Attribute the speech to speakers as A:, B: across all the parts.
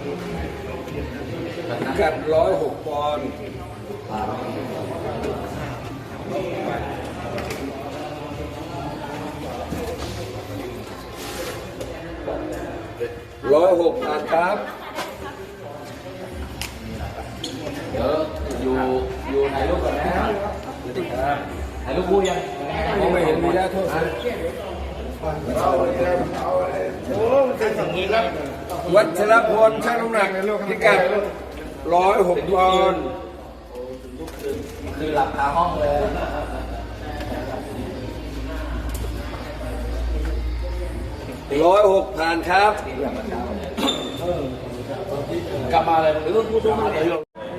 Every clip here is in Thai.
A: พิกัด106 ปอนด์106ผ่านครับ
B: เดี๋ยวอยู่ไหนลูกก่อนนะครับไหนลูกพูดยัง
A: มองไม่เห็นมีแล้วโทษวัชรพลช่างน้ำหนักพิกัด106 ปอนด์
B: คือหลับคาห้องเลย
A: 106ผ่านครับ
B: กลับมาเลยหรือพูดตรงๆเลย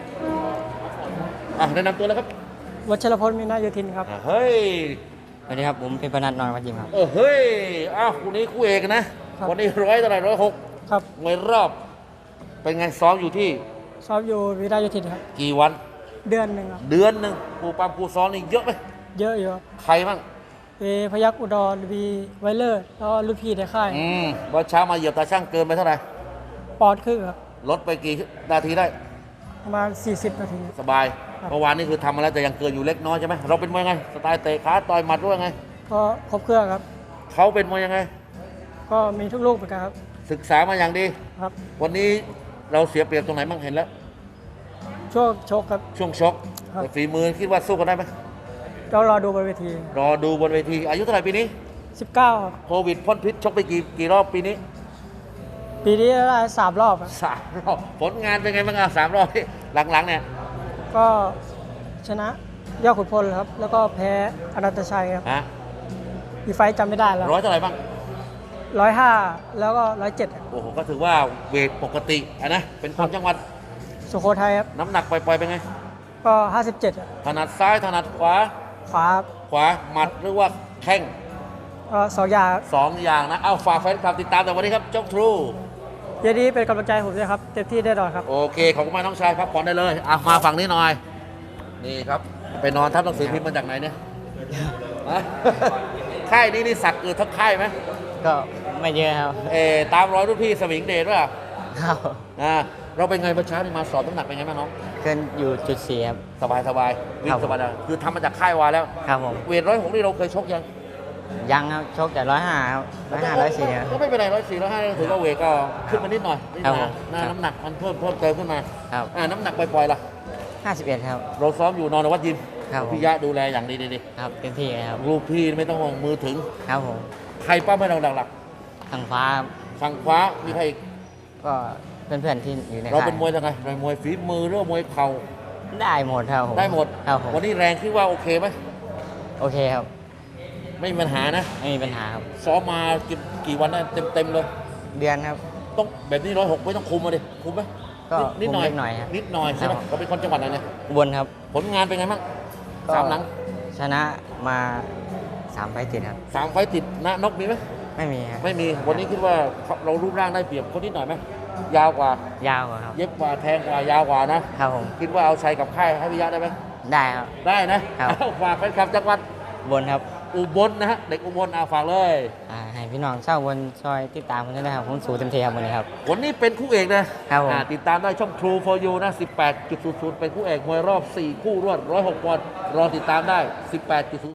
B: แนะนำตัวแล้วครับ
C: วัชรพลมีนาโยธินครับ
B: เฮ้ย
C: สวัสดีครับผมเป็นพนัทนอนวัดยิมครับ
B: เฮ้ยคู่นี้คู่เอกนะวันนี้100เท่าไหร่106
C: ครับ
B: มวยรอบเป็นไงซ้อมอยู่ที่
C: ซ้อมอยู่วิทยาโยธินครับ
B: กี่วัน
C: เดือนหนึ่งครับ
B: เดือนหนึ่งครูปั๊มครูซ้อมนี่เยอะไหม
C: เยอะอยู่ครับ
B: ใครบ้าง
C: พยัคฆ์อุดรวีไวเลอร์แล้วก็ลูกพี่ในค่าย
B: วันเช้ามาเหยียบตาช่างเกินไปเท่าไหร่
C: ปอนด์ครึ่งครับ
B: ลดไปกี่นาทีได้
C: ประมาณ40 นาที
B: สบาย
C: ครับ
B: เมื่อวานนี่คือทำมาแล้วแต่ยังเกินอยู่เล็กน้อยใช่ไหมเราเป็นมวยไงสไตล์เตะขาต่อยหมัดด้วยไง
C: ก็ครบเครื่องครับ
B: เขาเป็นมวยยังไง
C: ก็มีทุกลูกเหมือนกันครับ
B: ศึกษามาอย่างดี
C: ครับ
B: วันนี้เราเสียเปรียบตรงไหนบ้างเห็นแล้ว
C: ช่วงชกครับ
B: ช่วงชก
C: ครับ
B: แต่ฝีมือคิดว่าสู้กันได้ไหม
C: ก็รอดูบนเวที
B: รอดูบนเวทีอายุเท่าไหร่ปีนี้
C: 19ครับ
B: โควิดพ่นพิษชกไปกี่รอบปีนี้
C: ปีนี้ได้3 รอบครับ
B: 3 รอบผลงานเป็นไงบ้าง3 รอบที่หลังๆเนี่ย
C: ก็ชนะยอดขุนพลครับ แล้วก็แพ้อนันตชัยครับ
B: ฮะ
C: อีกไฟต์จำไม่ได้แล้ว
B: ร้อยเท่าไหร่บ้าง
C: 105 แล้วก็107ครับ
B: โอ้โหก็ถือว่าเวทปกตินะเป็นคนจังหวัด
C: สุโขทัยครับ
B: น้ำหนักปล่อยๆเป็นไง
C: ก็ 57ครับ
B: ถนัดซ้ายถนัดขวา
C: ขวาครับ
B: ขวาหมัดหรือว่าแข้ง
C: ก็2 อย่างครับ
B: 2 อย่างนะเอาฝากแฟนคลับติดตามแต่วันนี้ครับเจ้าทรู
C: เย็นนี้เป็นกำลังใจให้ผมด้วยครับ เต็มที่แน่นอนครับ
B: โอเคขอบคุณมากน้องชายพักผ่อนได้เลยมาฝั่งนี้หน่อยนี่ครับไปนอนทับหนังสือพิมพ์มาจากไหนเนี่ยฮะค่ายนี้นี่สักเกิดทั้งค่ายไหม
C: ก็ไม่เยอะครับ
B: ตามรอยรุ่นพี่สมิงเดชว่า
C: ครับ
B: เราเป็นไงเมื่อเช้านี่มาสอบน้ำหนักเป็นไงบ้างน้อง
C: เกินอยู่จุด4ครับ
B: สบายวิ่
C: ครั
B: ง
C: บ
B: สบายคือทำมาจากค่ายวาแล้ว
C: ครับผม
B: เวท106นี่เราเคยชกยัง
C: ยังครับชกแต่105ครับ105 104ครับ
B: ก็ไม่เป็นไร104 105ถือว่าเวทก็ขึ้นมานิดหน่อย
C: ครับผม
B: น้ำหนักมันเพิ่มเติมขึ้นมา
C: ครับ
B: น้ำหนักปล่อยๆล่ะ
C: 51ครับ
B: เราซ้อมอยู่นอนวัดยิม
C: ครับผม
B: พี่ยะดูแลอย่างดี
C: ครับเต็มที่เลยครับ
B: ลูกพี่ไม่ต้องห่วงมือถึง
C: ครับผม
B: ใครป้าไม่เราหลัก
C: ทางฟ้าครับ
B: ๆฝั่งขวามีใครอีก
C: ก็เพื่อนๆที่อยู่ใน
B: เรา
C: ค่าย
B: เป็นมวยยังไงเป็นมวยฝีมือหรือว่ามวยเข่า
C: ได้หมดครับผม
B: ได้หมด
C: ครับผม
B: วันนี้แรงคิดว่าโอเคไหม
C: โอเคครับ
B: ไม่มีปัญหานะ
C: ไม่มีปัญหาครับ
B: ซ้อมมากี่วันได้เต็มเลย
C: เดือนครับ
B: ต้องแบบนี้106ไม่ต้องคุมมาดิคุมไหม
C: ก็
B: นิดหน่อย
C: คุมนิดหน่อยครับ
B: นิดหน่อยใช่ไหม
C: ครับ
B: เขาเป็นคนจังหวัดไหนเนี่ย
C: อุบลครับ
B: ผลงานเป็นไงบ้าง
C: ก็
B: 3 หลัง
C: ชนะมา3 ไฟต์ติดครับ
B: 3 ไฟต์ติดนะนกมีไหม
C: ไม่มีครับ
B: ไม่มีวันนี้คิดว่าเรารูปร่างได้เปรียบคนนิดหน่อยไหมยาวกว่าย
C: าวกว่าครับ
B: เย็บกว่าแทงกว่ายาวกว่านะครับ
C: ผม
B: คิดว่าเอาชัยกับค่ายให้พิยะได้ไหม
C: ได้ครับ
B: ได้นะครับ เอาฝากแฟนคลับจังหวัด
C: อุบลครับ
B: อุบลนะฮะเด็กอุบลฝากเลย
C: ให้พี่น้องชาวอุบลช่วยติดตามกันด้วยนะครับผมสู้เต็มที่ครับวันนี้ครับ
B: วันนี้เป็นคู่เอกนะครับ
C: ผม
B: ติดตามได้ช่อง True for You นะ 18.00 เป็นคู่เอกมวยรอบ 4 คู่รวด106 ปอนด์รอติดตามได้ 18.00